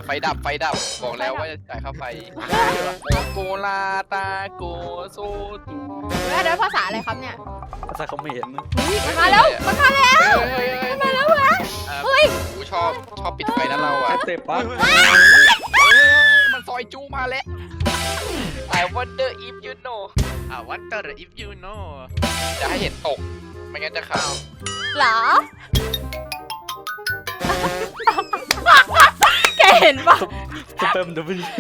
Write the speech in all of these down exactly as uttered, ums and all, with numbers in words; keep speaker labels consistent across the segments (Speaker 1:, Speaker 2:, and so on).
Speaker 1: ไฟดับไฟดับบอกแล้วว่าจะจ่ายค่าไฟโกลาตาโกโซตู
Speaker 2: เฮ้ยอันนั้นภาษาอะไรครับเนี่ย
Speaker 3: ภาษาเขมรนะ
Speaker 2: มันมาแล้วมันมาแล้วมันมาแล้วเหรอเฮ้ย
Speaker 1: กูชอบชอบปิดไฟนะเราอ่ะ
Speaker 3: เตะปั๊บ
Speaker 1: มันซอยจูมาแล้ว I wonder if you know
Speaker 4: I wonder if you know
Speaker 1: จะให้เห็นตกไม่งั้นจะข่าว
Speaker 2: เหรอแกเห็นปะ
Speaker 3: สเปิร์มดับเบิลยู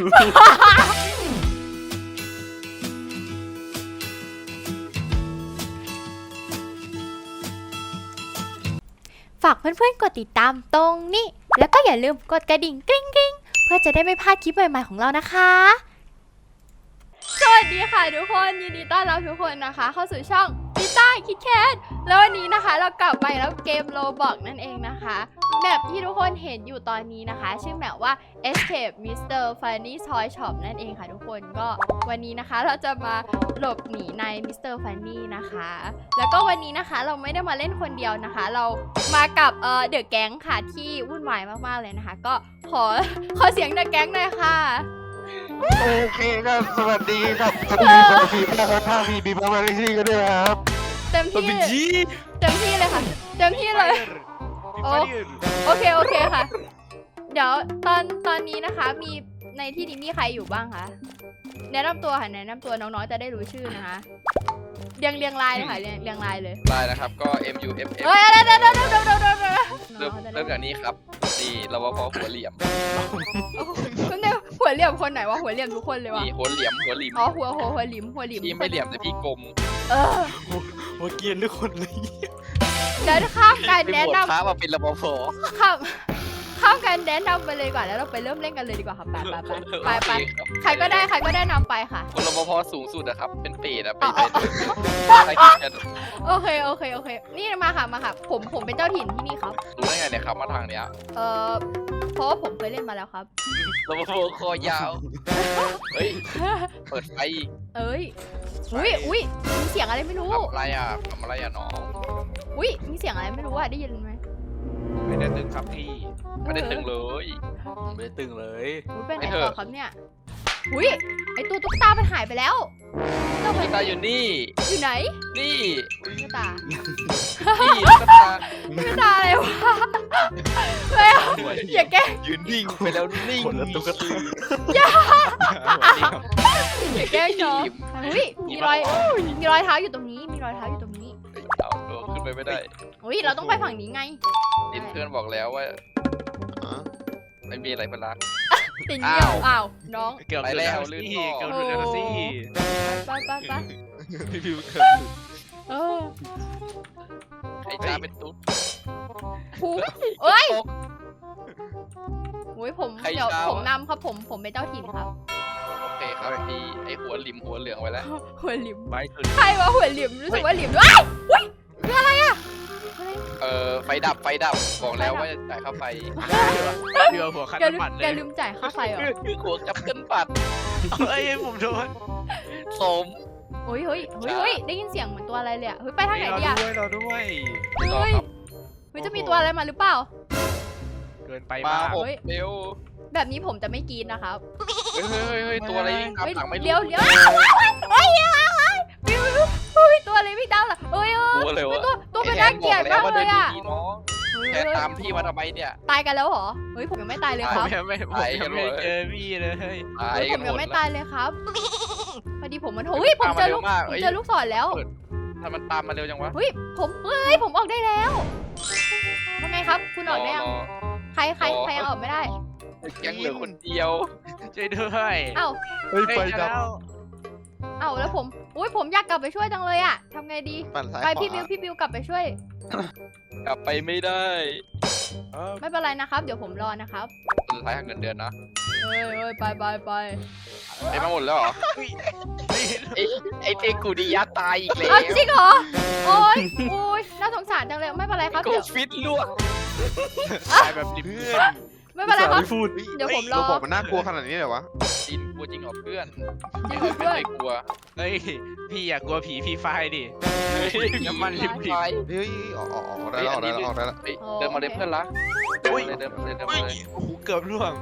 Speaker 2: ฝากเพื่อนๆกดติดตามตรงนี้แล้วก็อย่าลืมกดกระดิ่งกริ๊งกริ๊งเพื่อจะได้ไม่พลาดคลิปใหม่ๆของเรานะคะสวัสดีค่ะทุกคนยินดีต้อนรับทุกคนนะคะเข้าสู่ช่องดิต้าคิดแคทแล้ววันนี้นะคะเรากลับมาแล้วเกมโรบอกนั่นเองนะคะแมปที่ทุกคนเห็นอยู่ตอนนี้นะคะชื่อแมปว่า Escape มิสเตอร์ Funny Toy Shop นั่นเองค่ะทุกคนก็วันนี้นะคะเราจะมาหลบหนีใน มิสเตอร์ Funny นะคะแล้วก็วันนี้นะคะเราไม่ได้มาเล่นคนเดียวนะคะเรามากับเอ่อเดอะแก๊งค่ะที่วุ่นวายมากๆเลยนะคะก็ขอขอเสียงเดอะแก๊งหน่อยค่ะ
Speaker 4: โอเคครับสวัสดีครับสวัสดีสวัสดีนะครับถ้ามีบีบมาริซี่ก็ด้วยครับ
Speaker 2: เต็มที่เต็มที่เลยค่ะเต็มที่เลยโอโอเคโอเคค่ะเดี๋ยวตอนตอนนี้นะคะมีในที่นี้มีใครอยู่บ้างคะแนะนำตัวค่ะแนะนำตัวน้องๆจะได้รู้ชื่อนะคะเรียงเรียงลายเลยค่ะเรียงเรียงลายเลย
Speaker 1: ได้นะครับก็ M U F F
Speaker 2: เฮ้ยเดี๋ยวเดี๋ยวเดี๋ยวเดี๋ยวเดี๋ยวเดี๋ยวเดี๋ยว
Speaker 1: เริ่มเริ่มจากนี้ครับนี่เราว่าพอหัวเหลี่ยม
Speaker 2: คุณเนี่ยหัวเหลี่ยมคนไหนวะหัวเหลี่ยมทุกคนเลยวะ
Speaker 1: นี่หัวเหลี่ยมหัวหลิม
Speaker 2: อ๋อหัวหัวหัวหลิมหัวหลิม
Speaker 1: พี่ไม่เหลี่ยมแต่พี่กลม
Speaker 2: เออ
Speaker 3: โอ้เกียนทุกคนเลย
Speaker 2: เดี๋ยวข้ามการ
Speaker 1: ไป
Speaker 2: แนะ
Speaker 1: บวช
Speaker 2: นำ
Speaker 1: พระมาเป็นรปภ
Speaker 2: ข้ามข้ามการแนะนำไปเลยดีกว่าแล้วเราไปเริ่มเล่นกันเลยดีกว่าค่ะไปไปไปไปไปใครก็ได้ใครก็ได้นำไปค่ะ
Speaker 1: คนรปภสูงสุดอะครับเป็นเปรตอะไป
Speaker 2: อ๋อ
Speaker 1: ไปใครกินกัน
Speaker 2: โอเคโอเคโอเคนี่มาค่ะมาค่ะผมผมเป็นเจ้าถิ่นที่นี่ครับ
Speaker 1: รู้ได้ไงเนี่ยครับมาทางเนี้ย
Speaker 2: เอ่อเพราะว่าผมเคยเล่นมาแล้วครับ
Speaker 1: รปภคอยาวเฮ้ยเปิดไฟ
Speaker 2: เอ้ยอุ้ยอุ้ยมีเสียงอะไรไม่รู้
Speaker 1: ทำอะไรอะทำอะไรอะน้อง
Speaker 2: อุ้ยมีเสียงอะไรไม่รู้อะได้ยินไหม
Speaker 4: ไม่ได้ตึงครับพี่
Speaker 1: ไม่ได้ตึงเลย
Speaker 3: ไม่ได้ตึงเลย
Speaker 2: อุ้ยเป็น
Speaker 1: ไอ้
Speaker 2: ไง
Speaker 1: เถอะ
Speaker 2: ต่อครับเนี่ยอุ้ยไอตัวตุ๊กตามันหายไปแล้วตัว
Speaker 1: ตุ๊กตาอยู่นี่
Speaker 2: อยู่ไหน
Speaker 1: นี่
Speaker 2: ตุ๊กตา
Speaker 1: นี่ตุ๊กตา
Speaker 2: ตุ๊กตาอะไรวะไม่เอาอย่าแกล้ง
Speaker 1: ยืนนิ่งไปแล้วนิ่ง
Speaker 3: คนละตุ๊กตา
Speaker 2: อย่าแกล้งน้องอุ้ยมีรอยมีรอยเท้าอยู่ตรงนี้มีรอยเท้าอยู่ตรงนี้
Speaker 1: เอาตัวขึ้นไปไม่ได้
Speaker 2: อุ้ยเราต้องไปฝั่งนี้ไง
Speaker 1: ดินเพื่อนบอกแล้วว่าไม่มีอะไรเป็นรัก
Speaker 2: ติดเยี่ยวอ้าวน้อง
Speaker 4: เกือบ
Speaker 1: ไป
Speaker 4: หลุด
Speaker 1: แล้
Speaker 4: แล้ว ว
Speaker 1: ลื่น
Speaker 4: สิ
Speaker 1: ท่อ
Speaker 4: เกือบหลุดแล้วสิ
Speaker 2: ไปไปไป
Speaker 4: พี่พิวเกือบหลุด
Speaker 2: เออ
Speaker 1: ไอ้จ้าเป็นตุ๊ด
Speaker 2: ผูเอ้ย
Speaker 1: ตก
Speaker 2: โอ้ยผม
Speaker 1: ใคร
Speaker 2: เดี๋ยว
Speaker 1: เช้า
Speaker 2: ผมนำครับผมผมเป็นเจ้าถิ่นครับ
Speaker 1: โอเคครับพี่ไอ้หัวหลิมหัวเหลืองไว้แล้ว
Speaker 2: หัวหลิม
Speaker 4: ไม่ถึง
Speaker 2: ใครวะหัวหลิมรู้สึกว่าหลิมด้วยอุ้ยคืออะไรอะอะไร
Speaker 1: เออไฟดับไฟดับบอกแล้วว่าจะจ่ายค่าไฟ
Speaker 4: เรือหัวคัน
Speaker 2: แกลืม
Speaker 4: น้ำมันเล
Speaker 2: แก
Speaker 4: ย
Speaker 2: ลืมจ่ายค่าไฟเหรอ
Speaker 1: หัวกับเกินปัด
Speaker 4: เฮ้ยผมโดน
Speaker 1: สม
Speaker 2: เฮ้ยเฮ้ยเฮ้ยเฮ้ยได้ยินเสียงเหมือนตัวอะไรเลยอะเฮ้ยไปทางไหน
Speaker 4: เรา
Speaker 2: ดีอะ
Speaker 4: ด้วยเราด้วย
Speaker 2: เฮ้ยเฮ้ยจะมีตัวอะไรมาหรือเปล่า
Speaker 4: เกินไป
Speaker 1: มาม
Speaker 4: าก
Speaker 1: หกเร็ว
Speaker 2: แบบนี้ผมจะไม่กรีดนะครับ
Speaker 1: เฮ้ยเฮ้ยเฮ้ยตัวอะไรวิ่งตาม
Speaker 2: เฮ้ย
Speaker 1: หลังไม่รู้
Speaker 2: เลี้ยวเลี้ยวเฮ้ยเฮ้ยเฮ้ยวิววิวเฮ้ยตัวอะไรวิ่งตามล่ะเฮ้ยเฮ้ย
Speaker 1: ตัวเลยวะ
Speaker 2: ตัวตัวมันน่าเกลียดมากเลยอะ
Speaker 1: ไแทนบกแล้วว่าดินดีๆน้องแทนตามพี่มาทำไมเนี่ย
Speaker 2: ตายกันแล้วเหรอเฮ้ยผมยังไม่ตายเลยครับ
Speaker 4: ไม่ไม่ผมยังไม่เจอพี่เลย
Speaker 1: ตาย
Speaker 2: เฮ้ยผ
Speaker 1: กัน
Speaker 2: ม
Speaker 1: หม
Speaker 2: ยัง
Speaker 1: ด
Speaker 2: ไม่
Speaker 1: แล้ว
Speaker 2: ตายเลยครับพอดีผมมันเฮ้ยผมเจอลูก
Speaker 1: ตามมาเร็วมาก
Speaker 2: ผม
Speaker 1: เอ้ย
Speaker 2: เจอลูกศรแล้ว
Speaker 1: ถ้ามันตามมาเร็วจังวะ
Speaker 2: เฮ้ยผมเฮ้ยผมออกได้แล้วว่าไงครับ คุณออกได้ยัง
Speaker 1: ร
Speaker 2: ใครใครใครยังออกไม่ได้
Speaker 1: รอยังเหลือคนเดียว
Speaker 4: ช่วยด้วย
Speaker 2: เอ้า
Speaker 3: เฮ้ยไฟดับ
Speaker 4: แล้ว
Speaker 2: เอ้าแล้วผมอุ้ยผมอยากกลับไปช่วยจังเลยอะทำไงดี
Speaker 5: ปั่นซ้าย
Speaker 2: ไป
Speaker 5: ขวา
Speaker 2: พี่บิวพี่บิวกลับไปช่วย
Speaker 1: กลับไปไม่ได้
Speaker 2: ไม่เป็นไรนะครับ เดี๋ยวผมรอนะครับ
Speaker 1: สุดท้ายหักเงินเดือนนะ
Speaker 2: เฮ้ยเฮ้ยไปไปไป
Speaker 1: ไอ้มาหมดแล้วเหรอไอ้ไอ้เทกูดิยะตายอีกแล้ว
Speaker 2: เอาจริงเหรอโอ้ยโอ้ยน่าสงสารจังเลยไม่เป็นไรครับ
Speaker 1: โก
Speaker 2: เดี๋ยว
Speaker 1: ฟิตลวก
Speaker 4: ตายแบบริมเพื่อน
Speaker 2: ไม่เป็นไรครับ
Speaker 3: ไม่พูด
Speaker 2: เดี๋ยวผมรอ
Speaker 5: เราบอกมันน่ากลัวขนาดนี้เลยวะ
Speaker 1: จินกลัวจริงเหรอเพื่อน
Speaker 2: จริง
Speaker 1: ไม่
Speaker 2: เพื่อน
Speaker 1: เคยกลัว
Speaker 4: เฮ้ยพี่อย่ากลัวผีพี่ไฟดิ น้ำมันริม
Speaker 1: ไฟ
Speaker 5: เฮ้ยออกออกออกได้แล้วออกได้แล้วออกได้แล้ว
Speaker 1: เฮ้ยเดินมาเลยเพื่อนละเดินมาเลยเดินมาเลยเดิน
Speaker 4: เฮ้
Speaker 1: มาย เลย
Speaker 4: โอ้โหเกือบร่วง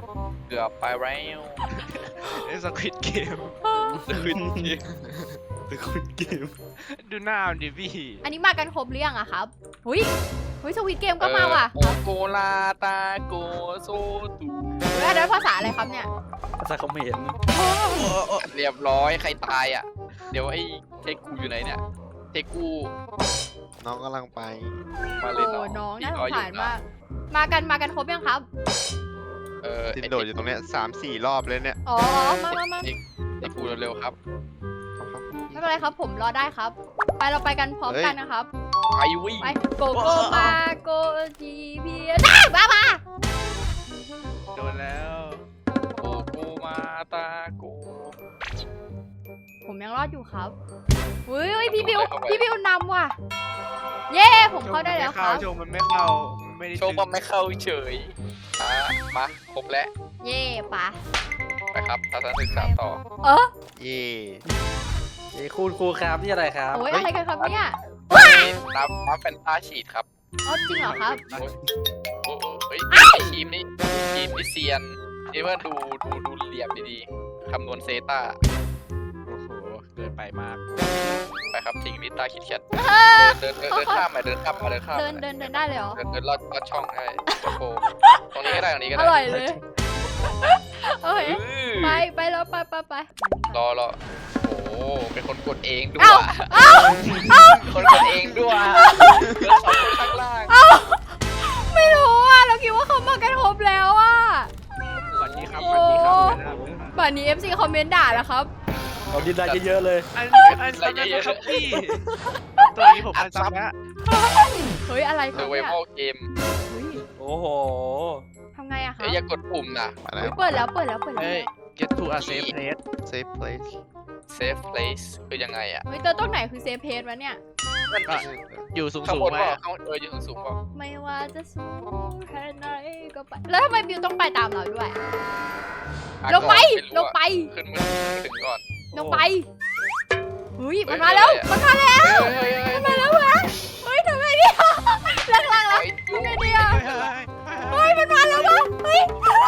Speaker 1: เกือบไปแล้ว
Speaker 3: ไอ้สควิดเกม
Speaker 1: ขึ้นที
Speaker 3: สควิดเกมดูหน้ามันดิพี่
Speaker 2: อันนี้มากันครบหรือยังอะครับหุยหุยสวิตเกมก็มาว่ะ
Speaker 1: โอโกลาตาโกโซตู
Speaker 2: เฮ้ยอันนั้นภาษาอะไรครับเนี่ย
Speaker 3: ภาษาเขมร
Speaker 1: เรียบร้อยใครตายอ่ะ เดี๋ยวไอ้เทกูอยู่ไหนเนี่ยเทกู
Speaker 5: น้องกำลังไป
Speaker 1: มา
Speaker 2: โอ้
Speaker 1: เลยน้อง
Speaker 2: น้องน่าส
Speaker 1: รอง อยู่
Speaker 2: สาร
Speaker 1: นะ
Speaker 2: มากมากันมากันครบยังครับ
Speaker 1: เออ
Speaker 5: ตินโดดอยู่ตรงเนี้ยสามสี่รอบเลยเนี่ย
Speaker 2: อ๋อมามามา
Speaker 1: เทกูเร็วๆครับ
Speaker 2: ไม่เป็นไรครับผมรอได้ครับ ไปเราไปกันพร้อมกันนะครับ
Speaker 1: ไปวิ่ง
Speaker 2: ไปโกโกมาโกจีพีได้มามา
Speaker 3: โดนแล้ว
Speaker 1: โอโกมาตาโก
Speaker 2: ผมยังรอดอยู่ครับอุ้ยอุ้ยพี่บิวพี่บิวนำว่ะ เย้ผมเข้าได้แล้วครับ
Speaker 3: โชว์มันไม่เข้ามันไม่ได้
Speaker 1: โชว์บอมไม่เข้าเฉยอ่ะมาครบแล้ว
Speaker 2: เย่ปะ
Speaker 1: ไปครับทัศนศึกษาต่อ
Speaker 2: เออ
Speaker 5: เย่
Speaker 3: เอ้คุณครูครับนี่อะไรครับ
Speaker 2: โอ้ยอะไรกันครับเนี่ย
Speaker 1: นับนับเป็นตาฉีดครับ
Speaker 2: อ๋อจริงเหรอครับ
Speaker 1: โอ้ยโอ้โหเฮ้ยทีมนี้ทีมที่เซียนที่ว่าดูดูดูเหลี่ยมดีๆคำนวณเซต้า
Speaker 3: โอ้โหเกินไปมาก
Speaker 1: ไปครับทิ้งลิต้าคิดแคทเดินเดินเดินข้ามมาเดินข้ามมาเดินข้าม
Speaker 2: เดินเดินเดินได้เลยเหรอ
Speaker 1: เดินเดินลอดลอดช่องได้โอ้โหตรงนี้ก็ได้ตรงนี้ก็
Speaker 2: อ
Speaker 1: ได้
Speaker 2: ร่อยเลยโอเค
Speaker 1: อื้อ
Speaker 2: ไปไปแล้วไปไปไป
Speaker 1: รอรอโอ้โหเป็นคนกดเองด้วย
Speaker 2: เอ้าเอ้า
Speaker 1: คนกดเองด้วยเดินสองคนข้างล่าง
Speaker 2: เอ้าไม่รู้อ่ะเราคิดว่าเขามากันครบแล้วอ่ะ
Speaker 3: สวัสดีครับสวัสดีครับ
Speaker 2: ป่านนี้ เอฟ ซี คอมเมนต์ด่าแล้วครับ
Speaker 3: เราดินได้เยอะๆเลยอันอันซับนะครับพี่ตัวนี้ผมอันซับแล้ว
Speaker 2: เฮ้ยอะไรค
Speaker 1: เซ
Speaker 2: รั
Speaker 1: อบ ร์ไว
Speaker 2: เนี่ย
Speaker 1: วัลเกม
Speaker 2: เฮ้ย
Speaker 3: โอ้โห
Speaker 2: ทำไงอะคะ
Speaker 1: เอ้ยอย่ากดปุ่มนะ
Speaker 5: มาแล้
Speaker 2: เฮ้
Speaker 5: วย
Speaker 2: เปิดแล้วเปิดแล้วเปิดแล้ว
Speaker 3: เฮ้ย get to a safe place
Speaker 5: safe place
Speaker 1: safe place คือยังไงอ่ะ
Speaker 2: เฮ้ยตัวตรงไหนคือเซฟเพจวะเนี่ย
Speaker 3: ก็อยู่สูง
Speaker 1: ข้าง
Speaker 3: สูง
Speaker 1: บน
Speaker 3: มา
Speaker 1: ว่าข้างเอออยู่สูงๆว่า
Speaker 2: ไม่ว่าจะสูงแค่ไหนก็ไป แล้วทำไมบิวต้องไปตามเราด้วย ลงไป ลงไป
Speaker 1: ขึ้นมาถึงก่อน
Speaker 2: ลงไปเฮ้ยมันมาแล้ว มันมาแล้ว
Speaker 1: เฮ้ยเฮ้ยเฮ้ย
Speaker 2: มันมาแล้วเหรอเฮ้ยทำไงเนี่ยล่างๆแล้ว
Speaker 1: ไอ้จุ๊
Speaker 2: ทำไงดีอะ
Speaker 3: เฮ้ย
Speaker 2: เฮ้ยมันมาแล้ววะเฮ้ย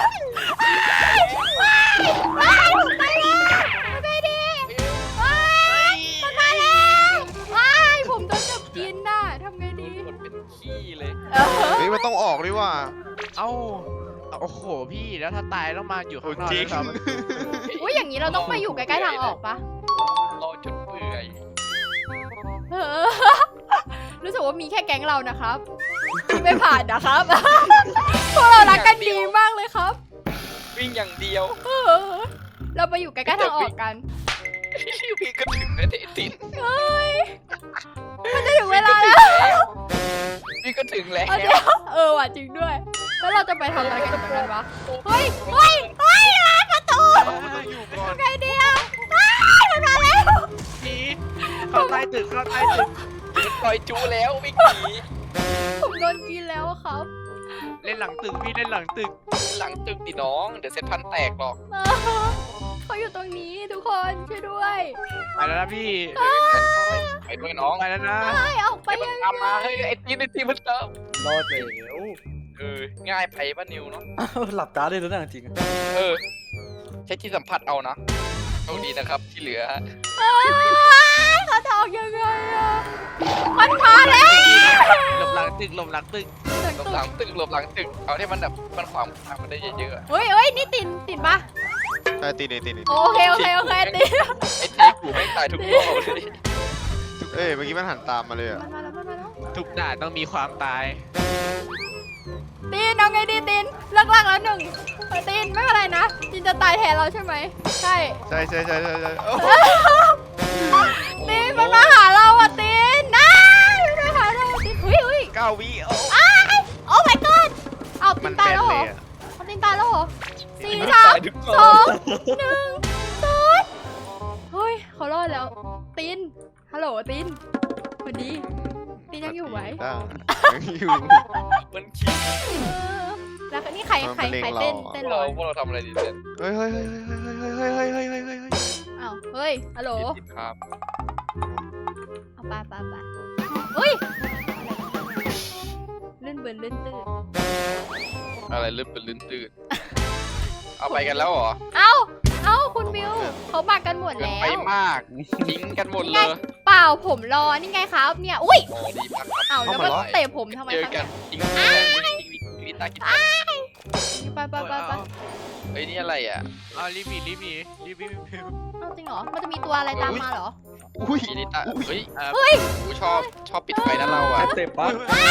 Speaker 2: ว้ายว้ายไปแล้วทำไงดีว้ายมันมาแล้วว้ายผมโดนจับกินน่ะทำไงดี
Speaker 1: กดเป็นขี้เลย
Speaker 2: เออ
Speaker 5: เฮ้ยมันต้องออกด้วยว่ะ
Speaker 3: เอ้าโอ้โหพี่แล้วถ้าตายต้องมาอยู่ข้างนอก
Speaker 5: จริง
Speaker 3: แล้วครับ
Speaker 2: อุ้ยอย่างนี้เราต้องไปอยู่ใกล้ๆทางออกปะ
Speaker 1: รอจนเปื่อย
Speaker 2: เออรู้สึกว่ามีแค่แก๊งเรานะครับที่ไม่ผ่านนะครับ พวกเรารักกันดีมากเลยครับ
Speaker 1: วิ่งอย่างเดียว
Speaker 2: เออเราไปอยู่ใกล้ๆทางออกกัน
Speaker 1: พี่ก็ถึงแล้วเดติน
Speaker 2: เฮ้ยมันจะถึงเวลาแล้ว
Speaker 1: พี่ก็ถึงแล้ว
Speaker 2: เอาเดี๋ยวเออว่ะจริงด้วย แล้วเราจะไปทำอะไรกันตรงนั้นวะ เฮ้ย เฮ้ย เฮ้ยร้านประตู
Speaker 3: มันต้องอยู่ก่อน
Speaker 2: ไงเดียวเฮ้ยมันมาแล้ว
Speaker 3: พี่เข้าใต้ตึกเข้าใต้ตึก
Speaker 1: ปล่อยจูแล้ววิ่งหนี
Speaker 2: ผมโดนกินแล้วอะครับ
Speaker 3: เล่นหลังตึกพี่เล่นหลังตึก
Speaker 1: หลังตึกดิน้อง เดี๋ยวเซ็ตพันแตกหรอก
Speaker 2: เออเขาอยู่ตรงนี้ทุกคนช่วยด้วย
Speaker 3: ไปแล้วนะพี่
Speaker 1: ไปด้วยน้อง
Speaker 3: ไปแล้วนะ
Speaker 2: เฮ้ยออกไป
Speaker 1: ไปมัน
Speaker 2: ยัง
Speaker 1: ตามมาเฮ้ยไอ้ตีนไอ้ตีนมันตาม
Speaker 3: รอดแล้ว
Speaker 1: เออง่ายไปป่ะนิวเนาะ
Speaker 3: หลับตาได้แล้วนะจริง
Speaker 1: เออใช้ที่สัมผัสเอานะโชคดีนะครับที่เหลือ
Speaker 2: เอ้ยเขาจะออกยังไงอะมันมาแล้ว
Speaker 3: หลบหลังตึกหลบหลังตึก
Speaker 1: หลบหลังตึกหลบหลังตึกเอาที่มันแบบมันขวางทางมันได้เยอะๆอะ
Speaker 2: เฮ้ยเฮ้ยนี่ตินตินปะ
Speaker 5: ใช่ตีนี่ตีนี่
Speaker 2: โอเคโอเคโอเคติน
Speaker 1: ไอ้เทกูไม่งตายทุกรอบเลย
Speaker 5: เอ้ยเมื่อกี้มันหันตามมาเลยอ่ะ
Speaker 2: มันมาแล้วมันมาแล้ว
Speaker 3: ทุกด่านต้องมีความตาย
Speaker 2: ตินเอาไงดีตินเลิกลากแล้วหนึ่งเออตินไม่เป็นไรนะตินจะตายแทนเราใช่ไหมใช่
Speaker 5: ใช่ใช่ใช่ใช่ใช่โอ้โห
Speaker 2: ตินมันมาหาเราอ่ะตินนะมันมาหาเราตินเฮ้ยเฮ้ย
Speaker 5: เก้าวิโอ้
Speaker 2: อ้ายโอ้ my god เอาติ
Speaker 5: มัน
Speaker 2: น
Speaker 5: แบ
Speaker 2: ตาย
Speaker 5: น
Speaker 2: แล้วเห
Speaker 5: เล
Speaker 2: รอย
Speaker 5: อ่ะ
Speaker 2: เอาตินตายแล้วเหรอสี่
Speaker 1: มัน
Speaker 2: สาม
Speaker 1: ตายทุกร
Speaker 2: ส
Speaker 1: อ
Speaker 2: อบ งหนึ่งศูนย์เฮ้ยเขารอดแล้วตินฮัลโหลตินสวัสดีตินยังอยู่ไหม
Speaker 5: ได้ยังอยู่
Speaker 1: มันขี่
Speaker 2: เออแล้วก็นี่ใครใครใครเต้นเต้น
Speaker 1: พวก
Speaker 2: ร้
Speaker 1: เรา
Speaker 2: อย
Speaker 1: พวกเราทำอะไรดีเนี่ย
Speaker 5: เฮ้ยเฮ้ยเฮ้ยเฮ้ยเฮ้ยเฮ้ยเฮ้ยเฮ้ยเฮ้ยเฮ้ยเฮ้ย
Speaker 2: อ้าวเฮ้ยฮัลโหล
Speaker 1: ผิดครับ
Speaker 2: เอาไปไปไปเฮ้ยลื่นเบินลื่นตื้น
Speaker 1: อะไรลื่นเป็นลื่นตื่น เอเอาไปกันแล้วเหรอ
Speaker 2: เอ้าเอ้าคุณบิวเขามากันหมด
Speaker 1: เกิน
Speaker 2: แล้
Speaker 1: ไป
Speaker 2: ว
Speaker 1: มากทิ้งกันหมดเลย
Speaker 2: เปล่าผมรอนี่ไงครับเนี่ยอุ้ย
Speaker 1: โอ้ดีมากครับ
Speaker 2: เอ้าแล้วก็เตะผมทำไม
Speaker 1: เจอ
Speaker 2: ครับ
Speaker 1: กั
Speaker 2: เนี่
Speaker 1: น
Speaker 2: ย
Speaker 1: ทิ้งทิ้งทิ้งลิต้ากิน
Speaker 2: ไปไปไปไป
Speaker 1: เฮ้ยนี่อะไรอ่ะ
Speaker 3: เอารีบหนีรีบหนีรีบรีบรีบ
Speaker 2: เอ้าจริงเหรอมันจะมีตัวอะไรตามมาเหรอ
Speaker 4: อุ้ย
Speaker 1: ลิต้าเฮ้ย
Speaker 3: เอ่อ
Speaker 2: เฮ้ย
Speaker 1: กูชอบชอบปิดไฟนะเราอ่ะ
Speaker 5: เตะปั๊บ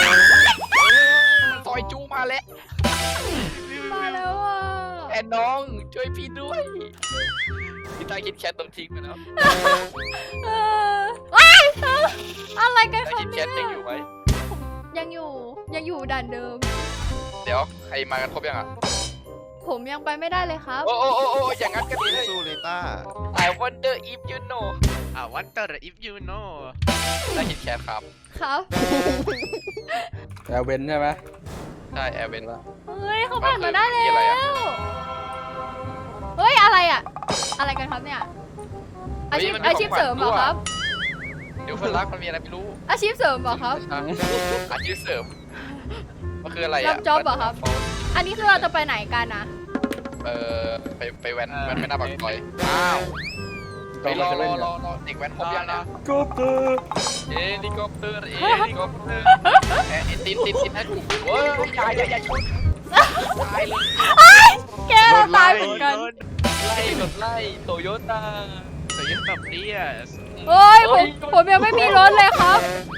Speaker 1: ซอยจูมาแล้ว
Speaker 2: มาแล้วอ่ะ
Speaker 1: แอนน้องช่วยพี่ด้วยลิต้าคิดแคทโดนทิ้งไปแล้ว
Speaker 2: เออว้ายอะไรกัน
Speaker 1: ลิต้า
Speaker 2: ครับ
Speaker 1: คิดแค
Speaker 2: เนี่
Speaker 1: ท
Speaker 2: ย
Speaker 1: ยังอยู่ไหม
Speaker 2: ยังอยู่ยังอยู่ด่านเดิม
Speaker 1: เดี๋ยวใครมากันครบยังอ่ะ
Speaker 2: ผมยังไปไม่ได้เลยครับ
Speaker 1: โอ้โอ้โอ้โอ้อย่างนั้นก็ดีเลย
Speaker 5: สู้เลยต้า
Speaker 1: I wonder if you know
Speaker 3: อ่าวันเตอร์ if you know
Speaker 1: ได้คิดแคทครับ
Speaker 2: ครับ
Speaker 6: แอลเวนใช่ไหม
Speaker 1: ใช่แอร์เวนละ
Speaker 2: เฮ้ยเขาผ่านมาได้
Speaker 1: มันคือ
Speaker 2: แล้
Speaker 1: อะไรอะ
Speaker 2: วเฮ้ยอะไรอ่ะ อะไรกันครับเนี่ย อาชีพอาชีพเสริมเหรอครับ
Speaker 1: เดี๋ยวเพื่อนรักมันมีอะไรไม่รู้
Speaker 2: อาชีพเสริมเหรอครับ
Speaker 1: อาชีพเสริมมันคืออะไร
Speaker 2: รั
Speaker 1: อ่ะ
Speaker 2: บ job เหรอครับ อันนี้คือเราจะไปไหนกันนะ
Speaker 1: เออไปไปแว้นแว้นไปหน้าปากซอยอ้าว
Speaker 6: ต้
Speaker 1: ไป
Speaker 6: อง
Speaker 1: ร
Speaker 6: มา
Speaker 1: อ
Speaker 6: จะ
Speaker 1: ร
Speaker 6: เล่
Speaker 1: อน ร
Speaker 6: กั
Speaker 1: อน รอเด็กแว้นครบยังนะ
Speaker 6: ก็เปิด
Speaker 1: เฮลิคอปเตอร์เฮลิคอปเตอร์เอ๊ะติดติดติดให้ถูกเว้ยอย่าอย่าอย่าชนตายเลย
Speaker 2: แกเราตายเหมือนกัน
Speaker 1: ไล่รถไล่โตโยต้า
Speaker 3: แต่ยังแบบนี้อ่ะ
Speaker 2: เฮ้ยผมผมยังไม่มีรถเลยครับ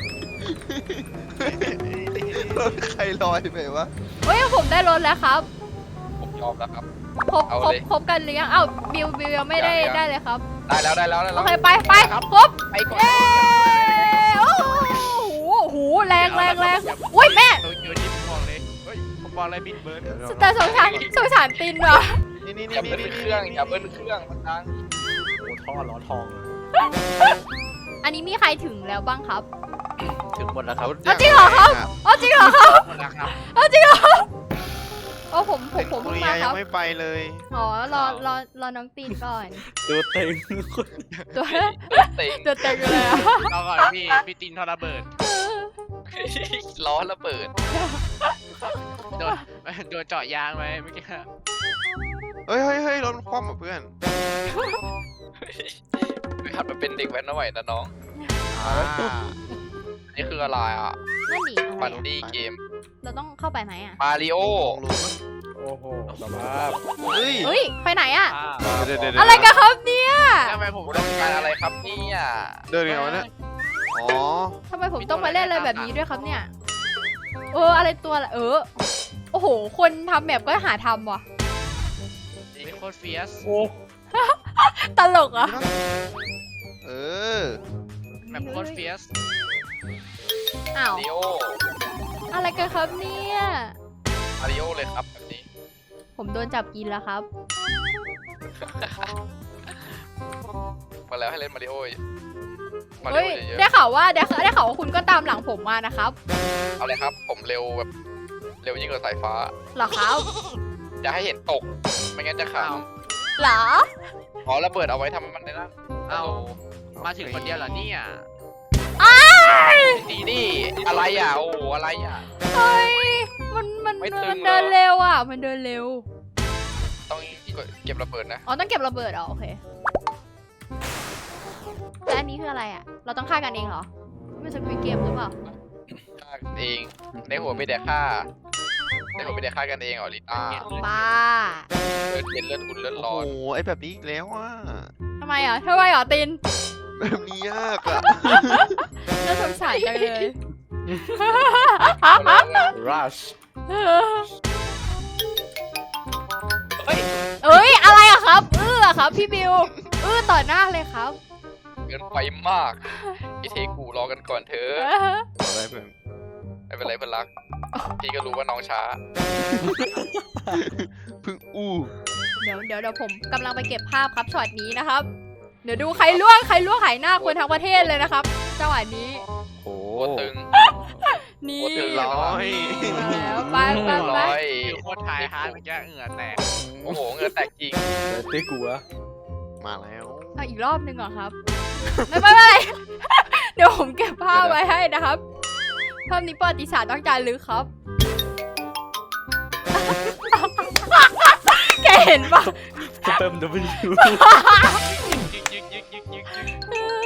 Speaker 5: ใครลอยไปวะ
Speaker 2: เฮ้ยผมได้รถแล้วครับ
Speaker 1: ผมยอมแล้วครับ
Speaker 2: ครบ
Speaker 1: เอา
Speaker 2: ครบ
Speaker 1: เลย
Speaker 2: ครบกันหรือยังเอ้าบิวบิวยังไม่ได้
Speaker 1: ยังยัง
Speaker 2: ได้เลยครับ
Speaker 1: ได้แล้วได้แล้วได้
Speaker 2: โอ
Speaker 1: แล้ว
Speaker 2: เคไปไปครบ
Speaker 1: ไปก่อน
Speaker 2: เย้โอ้โหโอ้โหแรงแรงแรงอุ้ยแม่
Speaker 3: โตเกียวนี่ผมบอกเลยเฮ้ยผมบอกเลยบิดเบิร์ด
Speaker 2: แต่สงสารสงสารตินว่ะ
Speaker 5: นี่นี่
Speaker 1: อย่า
Speaker 5: นี่
Speaker 1: เบิ้ลเครื่องอย่าเบิ้ลเครื่องมันดัง
Speaker 6: โอ้ท่อล้อทองเลย
Speaker 2: อันนี้มีใครถึงแล้วบ้างครับ
Speaker 6: ถึงหมดแล้วครับ
Speaker 2: เอาจริงเหรอครับ เอาจริงเหรอครับ
Speaker 3: หมดแล้วครับ
Speaker 2: เอาจริงเหรอโอ้ผมผมผม
Speaker 5: คุ
Speaker 2: เพิ่
Speaker 5: ณ
Speaker 2: งมาค
Speaker 5: ยั
Speaker 2: รับ
Speaker 5: งไม่ไปเลย
Speaker 2: อ๋อรอรอรอน้องตีนก่อน
Speaker 6: ตัวเต็ง
Speaker 2: ตัว
Speaker 1: เต็ง
Speaker 2: ตัวเต็งเลยอะ
Speaker 3: เอาก่อนพี่พี่ตินทอระเบิด
Speaker 1: ล้อระเบิด
Speaker 3: โดนโดนเจาะยางไหมเมื่อกี้
Speaker 5: เฮ้ยเฮ้ยเฮ้ยรถคว่ำอ่ะเพื่อน
Speaker 1: หัดมาเป็นเด็กแว้นหน่อยนะน้อง
Speaker 5: อ่า
Speaker 1: นี่คืออะไรอ่ะ
Speaker 2: นั่นดิอะไร
Speaker 1: ปัน
Speaker 2: อะ
Speaker 1: ดี้เกม
Speaker 2: เราต้องเข้าไปไหมอะ
Speaker 1: มาริโอ
Speaker 5: ลงรู้
Speaker 6: โอ้โหสภาพ
Speaker 5: เฮ้ย
Speaker 2: เฮ้ยไปไหนอะ
Speaker 5: เดี๋ยวเดี๋ยวเดี๋ยว
Speaker 2: อะไรกันครับเนี่ย
Speaker 3: ทำไมผม
Speaker 1: ต้องการอะไรครับเนี่ย
Speaker 5: เดินยังไงวะเนี่ยอ๋อ
Speaker 2: ทำไมผมต้องมาเล่นอะไรแบบนี้ด้วยครับเนี่ยเอออะไรตัวละเออโอ้โหคนทำแบบก็หาทำว่ะ
Speaker 3: เป็นโคตรเฟียส
Speaker 6: โอ้
Speaker 2: ตลกอะ
Speaker 5: เออ
Speaker 3: แบบโคตรเฟียส
Speaker 2: อ้าว
Speaker 1: มาริโอ
Speaker 2: อะไรกันครับเนี่ย
Speaker 1: มาริโอเลยครับแบบนี้
Speaker 2: ผมโดนจับกินแล้วครับ
Speaker 1: มาแล้วให้เล่นมาริโอมาริ
Speaker 2: เฮ้
Speaker 1: โอย เยอะ
Speaker 2: ได้ข่าวว่าได้ได้ข่าวว่าคุณก็ตามหลังผมมานะครับ
Speaker 1: ๆเอาเลยครับ ผมเร็วแบบเร็วยิ่งกว่าสายฟ้า
Speaker 2: เหรอครับ
Speaker 1: อย่าให้เห็นตก ไม่งั้นจะข
Speaker 2: เหรอ
Speaker 1: ำอ๋อระเบิดเอาไว้ทำมันในนั้น
Speaker 3: เอามาถึงคนเดียวเหรอเนี่ย
Speaker 1: ดีนี่อะไรอ่ะโอ้อะไรอ่ะ
Speaker 2: เฮ้ยมันมัน
Speaker 1: ไม่ตึง
Speaker 2: มันเดิน
Speaker 1: เหรอ
Speaker 2: เร็วอ่ะ มันเดินเร็ว
Speaker 1: ต้องเก็บระเบิดนะ
Speaker 2: อ๋อต้องเก็บระเบิดเหรอโอเคและอันนี้คืออะไรอ่ะ เราต้องฆ่ากันเองเหรอไม่ใช่เป็นเกมหรือเปล่า
Speaker 1: ฆ่ากันเองในหัวไม่ได้ฆ่าในหัวไม่ได้ฆ่ากันเองเหรอลิต้า
Speaker 2: ป้า
Speaker 1: เลือดเย็นเลือดอุ่นเลือด
Speaker 5: โอ้
Speaker 1: ร้อน
Speaker 5: โหไอ้แบบนี้อีกแล้วอ่ะ
Speaker 2: ทำไมอ่ะทำไมอ่ะติน
Speaker 5: แบบนี้ยากอ่ะ
Speaker 2: น่าสงสารจังเลย
Speaker 6: รัช
Speaker 1: เฮ้ย
Speaker 2: เอ้ยอะไรอะครับเออครับพี่บิวเออต่อหน้าเลยครับ
Speaker 1: เกินไปมากไอเทกูรอกันก่อนเถอะ
Speaker 5: อะไรเพื่อน
Speaker 1: ไม่เป็นไรเพื่อนรักพี่ก็รู้ว่าน้องช้า
Speaker 5: เพึ่งอู้
Speaker 2: เดี๋ยวเดี๋ยวเดี๋ยวผมกำลังไปเก็บภาพครับช็อตนี้นะครับ เดี๋ยวดูใครล่วงใครล่วงหายหน้าคนทั้งประเทศเลยนะครับจังหวะนี้
Speaker 5: โอ้
Speaker 1: โคตรตึง
Speaker 2: นี่
Speaker 1: โอ้ตึง
Speaker 5: ร้อย
Speaker 2: แล้วไปไปไป
Speaker 1: ร้อย
Speaker 3: อยู่โคตรทายฮาร์ดเมื่อกี้เหงื่อแตก
Speaker 1: โอ้โหเงินแตกจริง
Speaker 6: เต้กูอะ
Speaker 5: มาแล้ว
Speaker 2: เอาอีกรอบหนึ่งเหรอครับ ไม่ไม่ไม่เดี๋ยวผมเก็บภาพไว้ให้นะครับภาพนี้ประวัติศาสตร์ต้องจารึกครับแกเห็นปะ
Speaker 6: เติม W
Speaker 3: ยึกยึกยึกยึกยึกยึก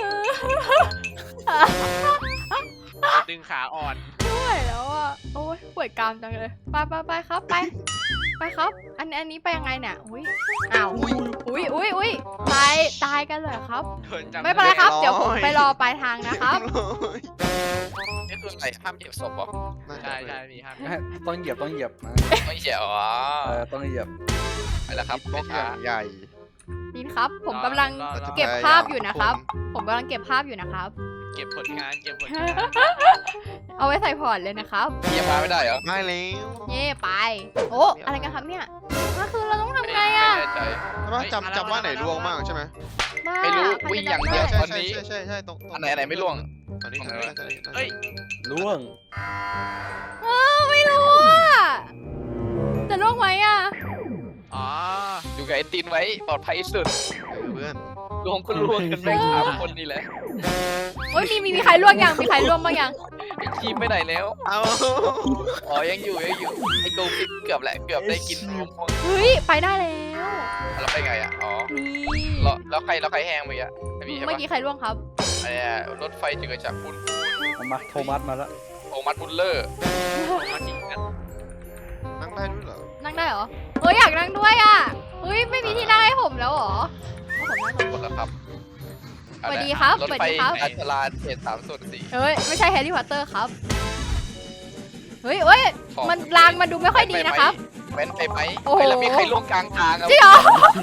Speaker 3: ดึงขาอ่อน
Speaker 2: ไม่ไหวแล้วอ่ะโอ้ยปวดกรามจังเลยไปไปไปครับไปไปครับ อันอันนี้ไปยังไงเนี่ยอุ้ยอ้าวอุ้ยอุ้ยอุ้ยตายตายกันเลยครับ
Speaker 3: โดนจำ
Speaker 2: ไม่เป็นไรครับเดี๋ยวผมไปรอปลายทางนะครับ
Speaker 1: นี่คืออะไรห้ามเหยียบศพเหรอ
Speaker 3: ใช่ใช่มีครับ
Speaker 6: ต้องเหยียบต้องเหยียบนะ
Speaker 1: ไม่เหยียบอ๋อ
Speaker 6: เออต้องเหยียบ
Speaker 1: ไปแล้วครับ
Speaker 5: บล็อกอย่างใหญ่
Speaker 2: นี่ครับ ผมกำลัง
Speaker 3: รอรอ
Speaker 2: เก็บภาพอยู่นะครับ ผมกำลังเก็บภาพอยู่นะครับ
Speaker 3: เก็บผลงานเก็บผลงาน
Speaker 2: เอาไว้ใส่พอร์ตเลยนะครับ
Speaker 1: เหยียบมาไม่ได้เหรอ
Speaker 5: ไม่แล้ว
Speaker 2: เย่ไปโอ้อะไรกันครับเนี่ยก็คือเราต้องทำไงอ่ะ
Speaker 1: ไม่แน่ใจ
Speaker 5: ใช่ปะจำจำว่าไหนล่วงบ้างใช่ไหม
Speaker 2: บ้า
Speaker 1: ไม่รู้
Speaker 2: ใคร
Speaker 1: วิ่ง
Speaker 2: จะ
Speaker 1: อย่าง
Speaker 2: จำ
Speaker 1: เดียว
Speaker 2: ได้
Speaker 1: ตอนนี้
Speaker 5: ใช่ใช่ใช่ตรงตรง
Speaker 1: อันไหนอันไหนไม่ล่วง
Speaker 5: อันนี้อันนี้อันนี้
Speaker 3: เอ้ย
Speaker 6: ล่วง
Speaker 2: เออไม่รู้อ่ะจะล่วงไหมอ่ะ
Speaker 3: อ๋อ
Speaker 1: อยู่กับไอ้ตินไว้ปลอดภัยที่สุด
Speaker 5: เพื่อน
Speaker 1: รวมก็รวมกันไปสามคนนี่แหละ
Speaker 2: โอ้ยมีมีมีใครล่วงยังมีใครล่วงบ้างยัง
Speaker 1: ไอ้ทีมไปไหนแล้ว
Speaker 5: เอา
Speaker 1: อ๋อยังอยู่ยังอยู่ไอ้โกฟิกเกือบแหละเกือบได้กินรวมพวก
Speaker 2: เฮ้ยไปได้แล้ว
Speaker 1: แล้วไปไงอ่ะอ๋อ
Speaker 2: นี่
Speaker 1: แล้วแล้วใครแล้วใครแห้งไปอ่ะไม่มีใช่
Speaker 2: เมื่อ
Speaker 1: ปะ
Speaker 2: กี้ใครล่วงครับ
Speaker 1: ไอ้เนี่ยรถไฟจืดจากคุณ
Speaker 6: เอามาโทมัสมาแล้ว
Speaker 1: โอมัสบุลเลอร์
Speaker 3: มาจริงกัน
Speaker 5: นั่งได้ด้วยเหรอ
Speaker 2: นั่งได้เหรอเฮ้ยอยากนั่งด้วยอ่ะเฮ้ยไม่มีที่นั่งให้ผมแล้วเหรอเอาผมนั่งก่อน
Speaker 1: หมดแล้วครับ
Speaker 2: สวัสดีครับ
Speaker 1: รถ
Speaker 2: สวัส
Speaker 1: ไฟ
Speaker 2: ดีครับ
Speaker 1: อัชราเขตสามส่วนสี่
Speaker 2: เฮ้ยไม่ใช่แฮร์รี่พอตเตอร์ครับเฮ้ยเฮ้ยมันรางมันดูไม่ค่อยดีนะครับ
Speaker 1: แว้นไปไหม
Speaker 2: โอ้โห
Speaker 1: เฮ้ยแล้วมีใครล่วงกลางทางอ่ะ
Speaker 2: จริงเหรอ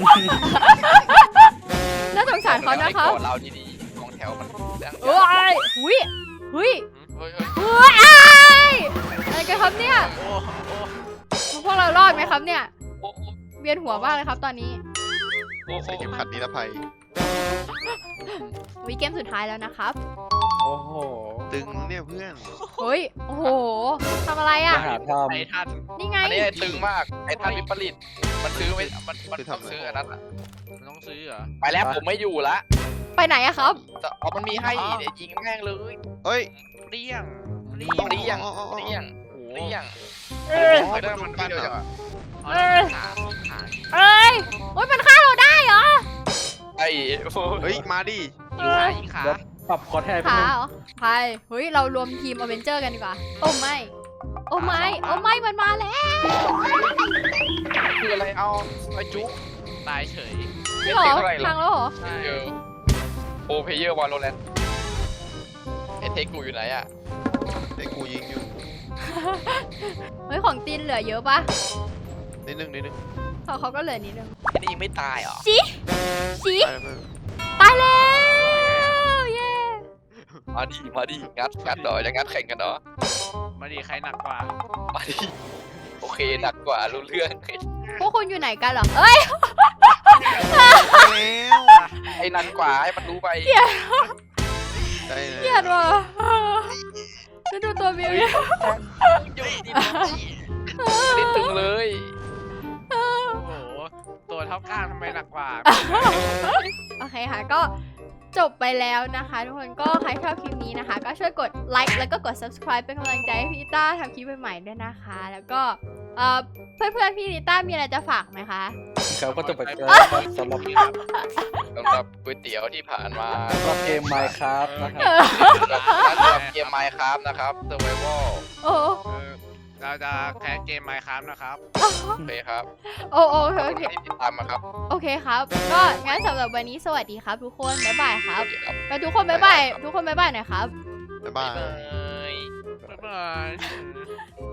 Speaker 2: น่าสงสารเขานะครับ
Speaker 1: ให้กอดเราดีๆกองแถวมันยัง
Speaker 2: เอ้ยหุยหุย
Speaker 1: เฮ้ยเฮ้ย
Speaker 2: เฮ้ยอ้ายอะไรกันครับเนี่ย
Speaker 3: โอ้โอ้
Speaker 2: พวกเรารอดไหมครับเนี่ย
Speaker 1: โอ้โห
Speaker 2: เวียนหัวมากเลยครับตอนนี้
Speaker 1: โอ้โห
Speaker 5: ใส่เข็มขัดนิรภัย
Speaker 2: วิเกมสุดท้ายแล้วนะครับ
Speaker 6: โอ้โห
Speaker 5: ตึงเนี่ยเพื่อน
Speaker 2: เฮ้ย โอ้โหทำอะไร
Speaker 6: มา
Speaker 2: อ่ะ
Speaker 6: หาท
Speaker 3: ไอ้ท่าน
Speaker 2: นี่ไง
Speaker 1: อันนี้ไอ้ตึงมากไอ้ท่านวิปริตมันซื้อไม่มันมันต้องซื้ออันนั้นอะ
Speaker 3: มันต้องซื้อเหรอ
Speaker 1: ไปแล้วผมไม่อยู่ละ
Speaker 2: ไปไหนอะครับ
Speaker 1: แต่เอามันมีให้เดี๋ยวยิงแม่งเลย
Speaker 5: เอ้ย
Speaker 3: เปรี้ยงเปรี้
Speaker 1: เปรี้
Speaker 3: ย
Speaker 1: ย
Speaker 3: ง
Speaker 1: ง
Speaker 5: อ๋ออ๋ออ๋อ
Speaker 1: เปรี้ยง
Speaker 3: โอ้
Speaker 1: เปรี้ยง
Speaker 2: เออ
Speaker 1: เฮ้ยแล้วมันมีเดียวจังอะ
Speaker 3: เอาแล้วขาขา
Speaker 2: เอ้ยโอ้ยมันฆ่าเราได้เหรอ
Speaker 1: ไอ้โอ้
Speaker 5: เฮ้ยมาดิ
Speaker 2: เออ
Speaker 3: อีกขา
Speaker 6: ำเดี๋ยวปรับคอแทนไป
Speaker 2: ขา
Speaker 6: นึง
Speaker 2: เหรอใครเฮ้ย เรารวมทีมอเวนเจอร์กันดีกว่า โอ้ไม่ โอ้ไม่ โอ้ไม่ มันมาแล้ว
Speaker 1: คืออะไรเอาไอ้จุ๊
Speaker 3: ตายเฉย
Speaker 2: นี่เหรอ
Speaker 1: เท่าไหร่หรอ
Speaker 2: ทางแล้วเหรอ
Speaker 3: ใช่
Speaker 1: เออโอเพเยอร์วอลโลแรนไอเทคกูอยู่ไหนอะ
Speaker 5: ไอ้กูยิงอยู่
Speaker 2: เฮ้ย ของตีนเหลือเยอะปะ
Speaker 5: นิดนึงนิดนึง
Speaker 2: ของเขาก็เหลือนิดนึง
Speaker 1: ไอ้นี่ยังไม่ตายเหรอ
Speaker 2: จีจี
Speaker 5: ไปเพื่อน
Speaker 2: ตายแล้ว เย้
Speaker 1: มาดิมาดิงัดงัดเหรอจะงัดแข่งกันเหรอ
Speaker 3: มาดีใครหนักกว่า
Speaker 1: มาดิโอเคหนักกว่ารู้เรื่อง
Speaker 2: พวกคุณอยู่ไหนกันเหรอ เอ้ย
Speaker 5: แล้ว
Speaker 1: ไอ้นันกว่าให้มันรู้ไป
Speaker 5: ได้เลย
Speaker 2: เกลียดว่ะจะดูตัวมิวเนี่ย
Speaker 1: ยุ่งดิไม่ตึงเลย
Speaker 3: โอ้โห ตัวเท่าก้างทำไมหนักกว่า
Speaker 2: โอเคค่ะ ก็จบไปแล้วนะคะ ทุกคน ก็ใครชอบคลิปนี้นะคะ ก็ช่วยกดไลค์แล้วก็กด subscribe เป็นกำลังใจให้พี่นิต้าทำคลิปใหม่ๆด้วยนะคะ แล้วก็เอ่อเพื่อนๆพี่นิต้ามีอะไรจะฝากไหมคะ
Speaker 6: ครับก็จบไปแล้วครับสำหรับ
Speaker 1: สำหรับก๋วยเตี๋ยวที่ผ่านมา
Speaker 6: สำหรับเกม Minecraft นะครับ
Speaker 1: สำหรับเกมไมค์ครับนะครับ Survival
Speaker 2: โอ้
Speaker 3: เออเราจะแคสเกมไมค์ครับนะครับ
Speaker 1: โอเคครับ
Speaker 2: โอ้โอ
Speaker 1: ข
Speaker 2: เค
Speaker 1: อบ
Speaker 2: โอ
Speaker 1: คุณ
Speaker 2: เค
Speaker 1: ที่ติดตามมาครับ
Speaker 2: โอเคครับ ก็งั้นสำหรับวันนี้สวัสดีครับทุกคน บ๊ายบายค
Speaker 1: ส
Speaker 2: รับ
Speaker 1: วัสดีครับ
Speaker 2: ไปทุกคนบ๊ายบาย ทุกคนบ๊ายบายหน่อยครับ
Speaker 5: บ๊ายบาย
Speaker 1: เอ้ย
Speaker 3: บ๊ายบาย